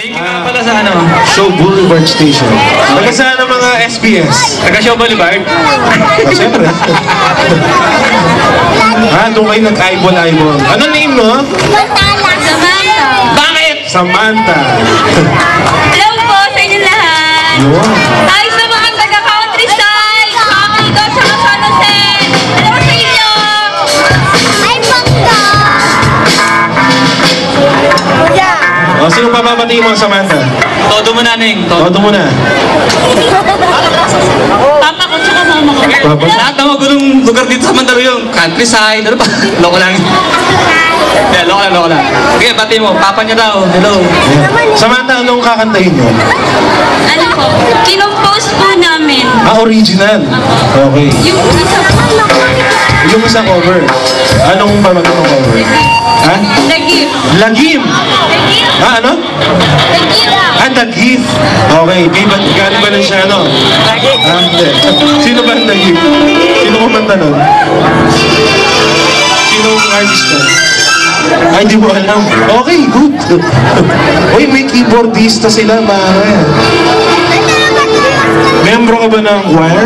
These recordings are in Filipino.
Thank you nga pala sa ano. Show Boulevard Station. Taga saan ang mga SBS? Taga Show Boulevard. Siyempre. Doon kayo nag-eyeball-eyeball. Ano name mo? Samantha. Bakit? Samantha. Hello po sa inyo lahat. Hi sa mga taga-countryside. Kakaligo sa San Jose. Hello sa inyo. Ay, bangga. Sino papapatiin mo, Samantha? Todo mo na, Neng. Todo mo na. Papa ko tsaka mama ko. Papa? Lahat ng magulong lugar dito sa Mandaluyong. Countryside. Ano ba? Loko lang. Yeah, loko lang. Okay, bati mo. Papa niya daw. Hello. Samantha, anong kakantahin mo? Ano po? Kinompose po namin. Original. Okay. Yung isa po. Yung isang cover. Anong pamagat ng cover? Ha? The gift. Lagim. The gift. Ano? The gift. The Gift. Okay, galing ba lang siya, ano? Hindi. Sino ba ang The Gift? Sino kumanta nun? Sino ang artist nun? Ay, di mo alam. Okay, good. Uy, may keyboardista sila, pare. Membro ka ba ng choir?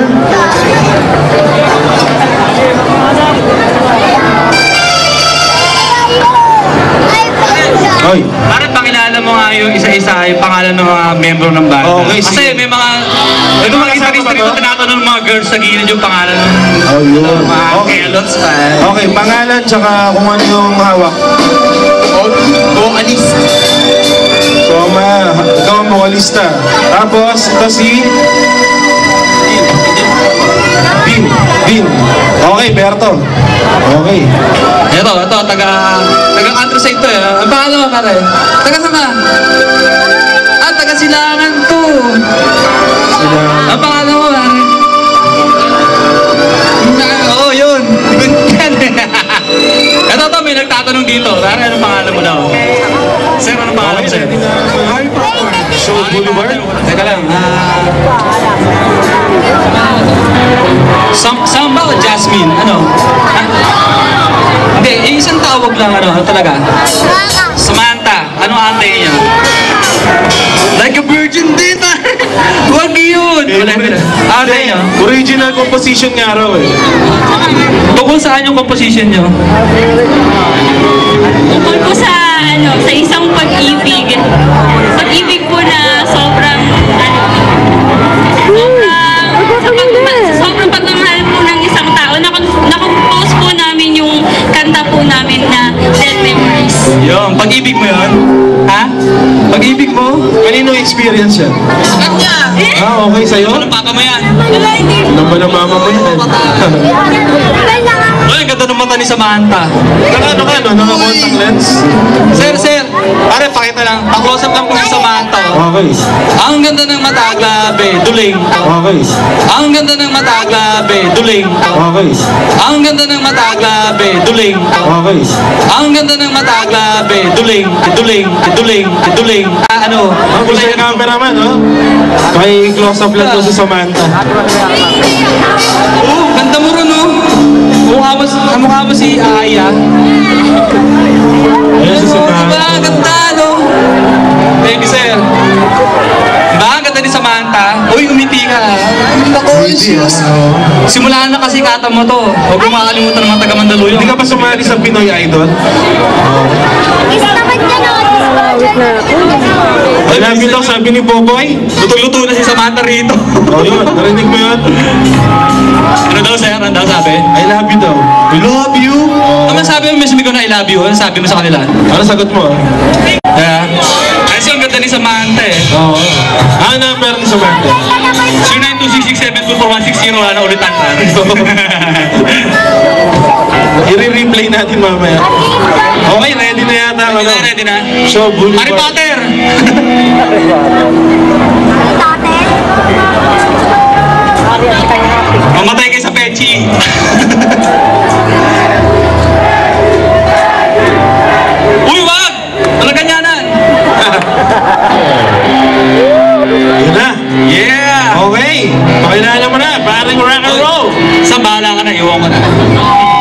Oy. Bakit pakilala mo nga yung isa-isa yung pangalan ng mga membro ng banda? Okay, Kasi sige. may mga... May mga gitarista rito tinatanong ng mga girls sa gilid yung pangalan ng Oh, yun. mga Okay. kelots pa. Okay, pangalan tsaka kung ano yung hawak. Vocalist. Toma, ikaw ang vocalista. Tapos, ito si... Din. Okay, Berto. Okay. Ito, taga-countryside to eh. Ang pangalan mo, pare? Taga saan ka? Taga Silangan to. Sila... Ang pangalan mo, pare? Oo, yun. Ito, may nagtatanong dito. Pare, anong pangalan mo daw? Sir, anong pangalan mo, sir? Show Boulevard? Teka lang. Samba o Jasmine? Ano? Hindi, yung isang tawag lang, ano talaga? Samantha. Anong ate niya? Like a virgin din, Huwag yun! Ate niya? Original composition nga raw eh. Tungkol saan yung composition niyo? Tungkol po sa isang pag-ibig. Pag-ibig po na sobrang pagmamahal po ng isang tao. Nakompose po namin yung kanta po namin na Dead Memories. Yung, pag-ibig mo yun? Ha? Pag-ibig mo? Kanino experience yan? Kanya! Okay, sa'yo? Ano papa mo yan? Wala, hindi. Ano ba ng mama mo yan? Ay, ang ganda ng mata ni Samantha. Ano ka, no? Naka-contact lens? Sir, pare, pakita lang. Pa-close up lang po si Samantha. Okay. Ang ganda ng mata, grabe, duling. Okay. Ang ganda ng mata, grabe, duling. Okay. Ang ganda ng mata, grabe, duling. Okay. Ang ganda ng mata, grabe, duling. Ano? Ang gusto yung cameraman, no? May close up lang to si Samantha. Ganda mo rin, no? Mukha mo si Aya. Ayan si Samantha. Diba? Ganda, no? Thank you, sir. Diba? Ang ganda ni Samantha. Uy, umiti ka. Conscious. Simulaan na kasi kata mo to. Huwag mo makakalimutan ng mga taga Mandaluyong. Hindi ka pa sumali sa Pinoy Idol? I love you daw, sabi ni Boboy. Luto-luto na si Samantha rito. Yun, narinig mo yun? Ano daw, sir? Ano daw sabi? I love you daw. I love you? Ano sabi mo, may sumigaw na I love you? Ano sabi mo sa kanila? Ano sagot mo? Kasi ang ganda ni Samantha eh. Oo. Ano number ni Samantha? 0926672416 na ulitan na. I-replay natin mamaya. Okay, ready na yata. Ready na? Show Boulevard. Harry Potter! Mamatay kayo sa pechi. Uy, wag! Talaga ganyanan. Yun na. Yeah! Okay. Pakilala mo na. Paring rock and roll. Sa bahala ka na, iwan ko na.